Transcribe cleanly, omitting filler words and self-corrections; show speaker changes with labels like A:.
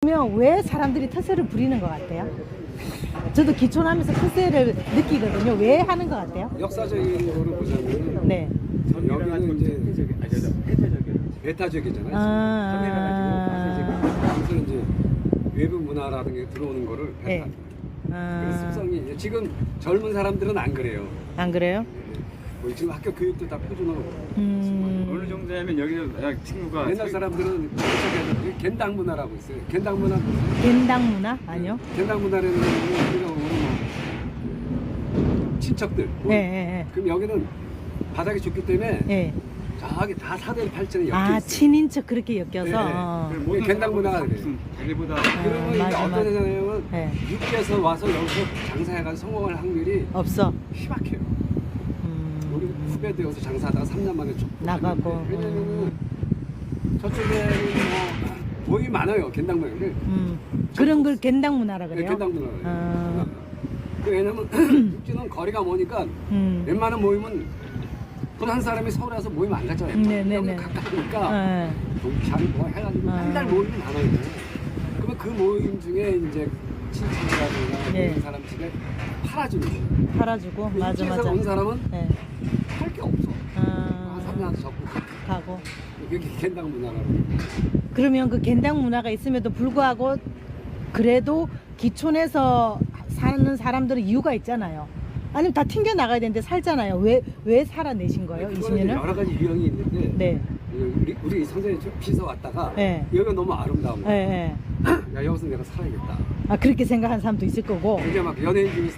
A: 그러면 왜 사람들이 터세를 부리는 것 같아요? 저도 기촌하면서 터세를 느끼거든요. 왜 하는 것 같아요?
B: 역사적인 거를 보자면
A: 네.
B: 여기는 이제 배타적이잖아요. 그래서 이제 외부 문화라는 게 들어오는 거를
A: 네.
B: 배타. 그래서 습성이 지금 젊은 사람들은 안 그래요.
A: 안 그래요?
B: 뭐 지금 학교 교육도 다 표준어로.
C: 어느 정도냐면 여기는 친구가
B: 옛날 사람들은 겐당 문화라고 있어요. 겐당 문화.
A: 겐당 문화? 아니요.
B: 겐당 문화라는 건 우리가 오는 친척들.
A: 예, 예,
B: 그럼 여기는 바닥이 좁기 때문에
A: 예. 예.
B: 저기 다 사대를 팔전에 엮여
A: 아,
B: 있어요.
A: 친인척 그렇게 엮여서.
B: 네,
A: 어.
C: 모든
B: 겐당 문화가 그래요.
C: 자기보다
B: 그러면 이제
A: 맞아,
B: 어떤 애냐면
A: 네.
B: 육지에서 와서 여기서 장사해가지고 성공할 확률이
A: 없어.
B: 희박해요. 우리 후배도 여기서 장사하다가 3년 만에
A: 나가고.
B: 왜냐면은 저쪽에는 뭐 모임이 많아요. 겐당 문화.
A: 그런 걸 겐당 문화라 그래요?
B: 겐당 문화.
A: 아.
B: 왜냐면 육지는 거리가 머니까 웬만한 모임은 돈 한 사람이 서울에 와서 모임 안 가잖아요.
A: 네네네.
B: 여기 가까우니까
A: 네.
B: 동창 뭐 해가지고 맨날 모임이 많아요. 그러면 그 모임 중에 이제 친척이라든가
A: 네.
B: 그런 사람 집에 팔아주는 거예요.
A: 팔아주고. 맞아,
B: 육지에서
A: 맞아.
B: 온 사람은
A: 네.
B: 할 게 없어. 한 3년 접고
A: 가고.
B: 그게 겐당 문화라고.
A: 그러면 그 겐당 문화가 있음에도 불구하고 그래도 기촌에서 사는 사람들은 이유가 있잖아요. 아니면 다 튕겨 나가야 되는데 살잖아요. 왜 살아내신 거예요?
B: 그거는
A: 20년을?
B: 여러 가지 유형이 있는데
A: 네.
B: 우리 선생님 비서 왔다가
A: 네.
B: 여기가 너무 아름다운 거야.
A: 네, 네.
B: 야 여기서 내가 살아야겠다.
A: 아, 그렇게 생각하는 사람도 있을 거고.
B: 이제 막 연예인 중에